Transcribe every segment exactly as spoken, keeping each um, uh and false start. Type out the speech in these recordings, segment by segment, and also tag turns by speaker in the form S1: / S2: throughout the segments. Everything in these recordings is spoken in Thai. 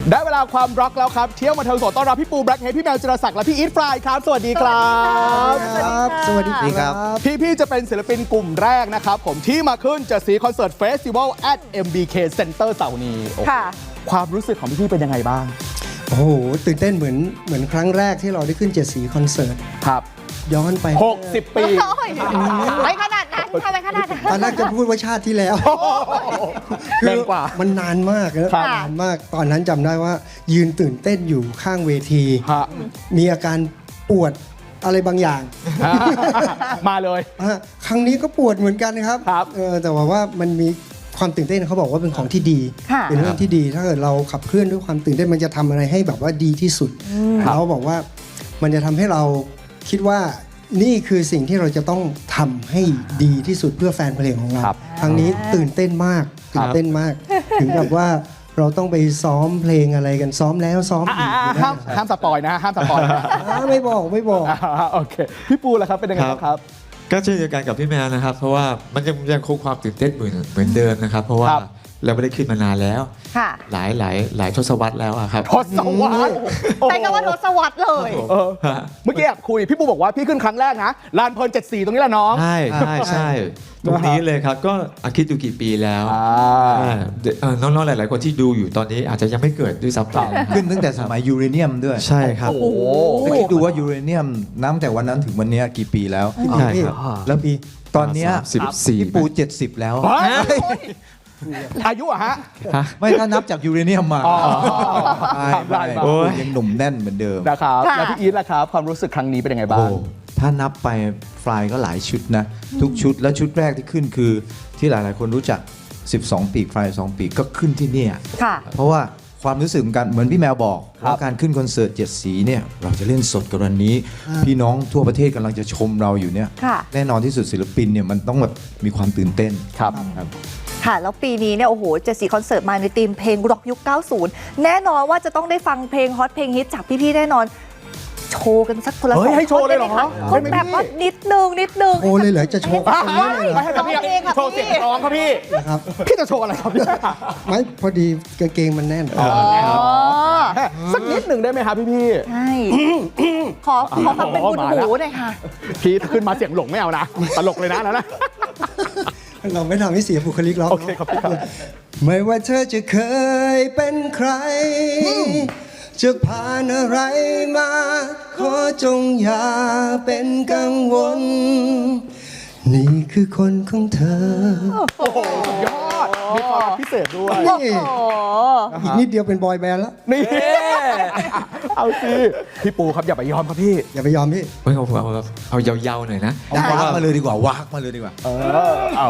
S1: ได้เวลาความร็อกแล้วครับเที่ยวมาเทิงสดต้อนรับพี่ปูแบล็คเฮดพี่แมวจิรศักดิ์และพี่อีทฟรายครับสวัสดีครับ
S2: สวัสดีครับ
S1: พี่ๆจะเป็นศิลปินกลุ่มแรกนะครับผมที่มาขึ้นจะสีคอนเสิร์ตเฟสติวัล at เอ็ม บี เค Center เสาร์นี้ค่ะความรู้สึกของพี่ๆเป็นยังไงบ้าง
S2: โอ้โหตื่นเต้นเหมือนเหมือนครั้งแรกที่เราได้ขึ้นเจ็ดสีคอนเสิร์ต
S1: ครับ
S2: ย้อนไป
S1: หกสิบปี
S3: ไม่ขนาดนั้นทำไมขนาดนั้น
S2: ตอนแรกจะพูดว่าชาติที่แล้ว
S1: แรงกว่า
S2: มันนานมากนะนานมากตอนนั้นจำได้ว่ายืนตื่นเต้นอยู่ข้างเวทีมีอาการปวดอะไรบางอย่าง
S1: มาเลย
S2: ครั้งนี้ก็ปวดเหมือนกันครับแต่ว่าว่ามันมีความตื่นเต้นเขาบอกว่าเป็นของที่ดีเป็นเรื่องที่ดีถ้าเกิดเราขับเคลื่อนด้วยความตื่นเต้นมันจะทำอะไรให้แบบว่าดีที่สุดเราบอกว่ามันจะทำให้เราคิดว่านี่คือสิ่งที่เราจะต้องทำให้ดีที่สุดเพื่อแฟนเพลงของเราครั้งนี้ตื่นเต้นมากตื่นเต้นมากถึงกับว่าเราต้องไปซ้อมเพลงอะไรกันซ้อมแล้วซ้อมอีก
S1: ห้ามห้ามสปอยนะห้ามสปอยนะ
S2: ไม่บอกไม่บอก
S1: โอเคพี่ปูล่ะครับเป็นยังไงครับ
S4: ก็เช่นเดียวกันกับพี่แมวนะครับเพราะว่ามันยังยังคงความตื่นเต้นเหมือนเหมือนเดิมนะครับเพราะว่าเราไม่ได้ขึ้นมานานแล้วหลายหลายหลายทศวรรษแล้วครับ
S1: ทศวรรษ
S3: ใช้คำว่าทศวรรษเลย
S1: เมื่อกี้แอบคุยพี่ปูบอกว่าพี่ขึ้นครั้งแรกนะลานเพลินเจ็ดสี่ตรงนี้แหละน้อง
S4: ใช่ใช่ใช่ตรงนี้เลยครับก็คิดดูกี่ปีแล้วน้องๆหลายๆคนที่ดูอยู่ตอนนี้อาจจะยังไม่เกิดด้วยซ้ำไป
S5: ขึ้นตั้งแต่สมัยยูเรเนียมด้วย
S4: ใช่ครับ
S5: โอ้โหคิดดูว่ายูเรเนียมน้ำแต่วันนั้นถึงวันนี้กี่ปีแล้ว
S4: ใช่ครับ
S5: แล้วปีตอนนี้
S4: สิบสี่
S5: พี่ปูเจ็ดสิบแล้ว
S1: อายุอะฮะ
S5: ไม่ถ้านับจากยูเรเนียมมาไม่ยังหนุ่มแน่นเหมือนเดิม
S1: นะครับแล้วพี่อีทล่ะครับความรู้สึกครั้งนี้เป็นยังไงบ้าง
S5: ถ้านับไปฟลายก็หลายชุดนะทุกชุดแล้วชุดแรกที่ขึ้นคือที่หลายๆคนรู้จักสิบสองปีกฟลายสองปีกก็ขึ้นที่นี่เพราะว่าความรู้สึกกันเหมือนพี่แมวบอกว่าการขึ้นคอนเสิร์ตเจ็ดสีเนี่ยเราจะเล่นสดกันวันนี้พี่น้องทั่วประเทศกำลังจะชมเราอยู่เนี่ยแน่นอนที่สุดศิลปินเนี่ยมันต้องแบบมีความตื่นเต้น
S1: ครับ
S3: ค่ะแล้วปีนี้เนี่ยโอ้โหเจ็ดสีคอนเสิร์ตมาในธีมเพลงร็อกยุคเก้าสิบแน่นอนว่าจะต้องได้ฟังเพลงฮอตเพลงฮิตจากพี่ๆแน่นอนโชว์กันสักคนละสอง
S1: ให้โชว์เลยเหรอ
S3: แบบว่านิดนึงนิดนึง
S2: โชว์เลยเหรอจะโชว์
S1: กันเลยให้กับพี่โชว์เสียงร้องครับพี่ครับพี่จะโชว์อะไรครับ
S2: ไม่พอดีกางเกงมันแน่น
S1: สักนิดหนึ่งได้ไหมครับพี่
S3: ๆใช่ขอขอฟังเป็นบุญหูหน่อยค่ะ
S1: พี่ขึ้นมาเสียงหลงไม่เอานะตลกเลยนะแล้วนะ
S2: เราไม่ทำให้เสียบุคลิกเรา
S1: โอเคครับพี่ครับ
S2: ไม่ว่าเธอจะเคยเป็นใครจะผ่านอะไรมาขอจงอย่าเป็นกังวลนี่คือคนของเธอ
S1: โอ้โหยอดมีความพิเศษด้วย
S2: อีกนิดเดียวเป็นบอยแบนด์แล้ว
S1: นี่เอาสิพี่ปูครับอย่าไปยอมครับพี่
S2: อย่าไปยอมพี่
S4: ไม่เอาเอาเอาเยาๆหน่อยนะ
S5: วากมาเลยดีกว่าวากมาเลยดีกว่า
S1: เออเอา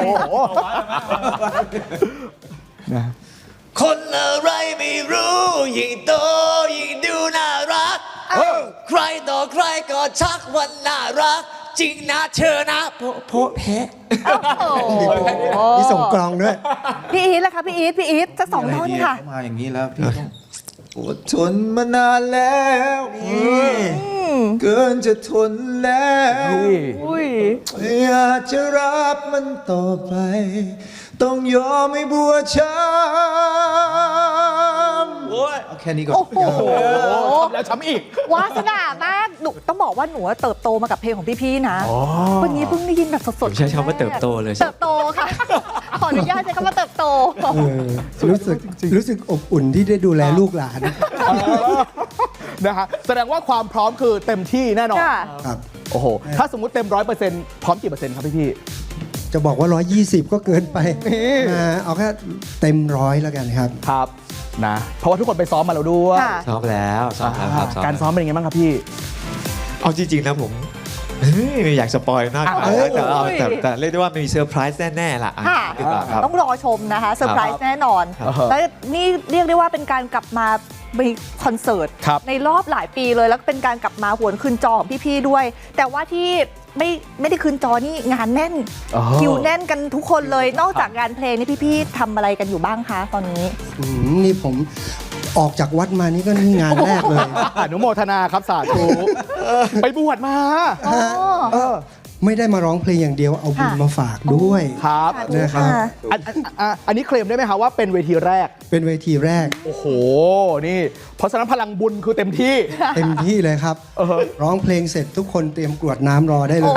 S4: นะคนอะไรไม่รู้ยิ่งโตยิ่งดูน่ารักใครต่อใครก็ชักวันน่ารักจริงนะเธอนะโพโพแพ้
S2: มีส่งกลองด้วย
S3: พี่อีทล่ะคะพี่อีทพี่อีทสักสองท่อนค่ะ
S5: มาอย่างนี้แล้วพี่ต้องอดทนมานานแล้วเกินจะทนแล้วอยากจะรับมันต่อไปต้องยอมให้บัวช้ำเอาแค่นี้ก่อน
S3: โอ้โห
S1: แล้วช้ำอีก
S3: วาสนามากหนูต้องบอกว่าหนูเติบโตมากับเพลงของพี่ๆนะวันนี้เพิ่งได้ยินแบบสด
S4: ๆใช้คำว่าเติบโตเลย
S3: เติบโตค่ะขออนุญาตใช้คำว่าเติบโต
S2: รู้สึกรู้สึกอบอุ่นที่ได้ดูแลลูกหลาน
S1: นะฮะแสดงว่าความพร้อมคือเต็มที่แน่นอน
S2: ครับ
S1: โอ้โหถ้าสมมุติเต็มร้อยเปอร์เซ็นต์พร้อมกี่เปอร์เซ็นต์ครับพี่ๆ
S2: จะบอกว่าหนึ่งร้อยยี่สิบก็เกินไปเอาแค่เต็มร้อยแล้วกันครับ
S1: ครับนะเพราะว่าทุกคนไปซ้อมมาแล้วด้วย
S4: ซ้อมแล้วซ้อมแล้วครับ
S1: การซ้อมเป็นยังไงบ้างครับพี่
S4: เอาจริงๆนะผมไม่อยากสปอยมากแต่แต่แต่เรียกได้ว่ามีเซอร์ไพรส์แน่ๆล่ะ
S3: ต้องรอชมนะคะเซอร์ไพรส์แน่นอนแล้วนี่เรียกได้ว่าเป็นการกลับมามีคอนเสิร์ตในรอบหลายปีเลยแล้วเป็นการกลับมาหวนคืนจอของพี่ๆด้วยแต่ว่าที่ไม่ไม่ได้คืนจอนี่งานแน่นคิวแน่นกันทุกคนเลยนอกจากงานเพลงนี่พี่ๆทำอะไรกันอยู่บ้างคะตอนนี้
S2: นี่ผมออกจากวัดมานี่ก็นี่งานแรกเลย
S1: อนุโมทนาครับสาธุไปบวชมา
S2: ไม่ได้มาร้องเพลงอย่างเดียวเอาบุญมาฝากด้วย
S1: ครับ
S2: นะครับ
S1: อันอันอันอันนี้เคลมได้ไหมครับว่าเป็นเวทีแรก
S2: เป็นเวทีแรก
S1: โอ้โห นี่ เพราะฉะนั้นพลังบุญคือเต็มที่
S2: เต็มที่เลยครับ ร้องเพลงเสร็จทุกคนเตรียมกรวดน้ำรอได้เลย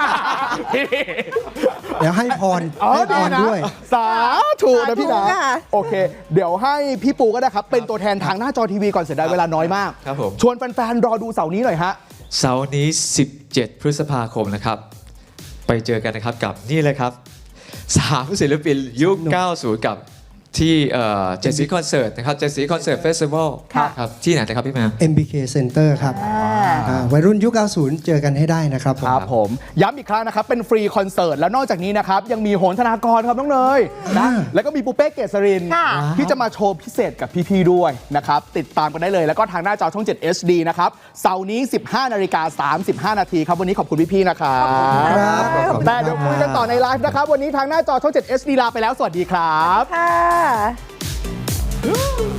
S2: เดี๋ยวให้พร
S1: อ๋อ
S2: ให้พ
S1: ดี
S2: ร
S1: นะ
S2: ด้วย
S1: สาธุนะพี่นะ
S3: สาธุค่ะ
S1: โอเค เดี๋ยวให้พี่ปูก็ได้ครับ เป็นตัวแทนทางหน้าจอทีวีก่อนเสียดายเวลาน้อยมาก
S4: ครับผม
S1: ชวนแฟนๆ รอดูเสาร์นี้หน่อยฮะ
S4: เสาร์นี้ สิบเจ็ด พฤษภาคมนะครับ ไปเจอกันนะครับกับนี่เลยครับสามศิลปินยุค เก้าสิบ กับที่เจสซี่คอนเสิร์ตนะครับเจสซี่คอนเสิร์ตเฟสติวัล
S3: ค่ะ
S4: ครับที่ไหนนะครับพี่แมว
S2: เอ็ม บี เค Center ครับอ่าวัยรุ่นยุค เก้าสิบ เจอกันให้ได้นะครับผม
S1: ครับผมย้ำอีกครั้งนะครับ เป็นฟรีคอนเสิร์ต แล้วนอกจากนี้นะครับ ยังมีโหนธนากรครับน้องเนยนะแล้วก็มีปูเป้เกษรินทร์
S3: ค่ะ
S1: ที่จะมาโชว์พิเศษกับพี่ๆด้วยนะครับ ติดตามกันได้เลย แล้วก็ทางหน้าจอช่อง เจ็ด เอช ดี นะครับเสาร์นี้ สิบห้านาฬิกาสามสิบห้านาทีครับ วันนี้ขอบคุณพี่ๆนะครับ
S2: ครับขอบคุณ
S1: แต่เดี๋ยวคุยกันต่อในไลฟ์นะครับ วันนี้ทางหน้าจอช่อง เจ็ด เอช ดี ลาไปแล้วสวัสดีครับ
S3: ค่ะ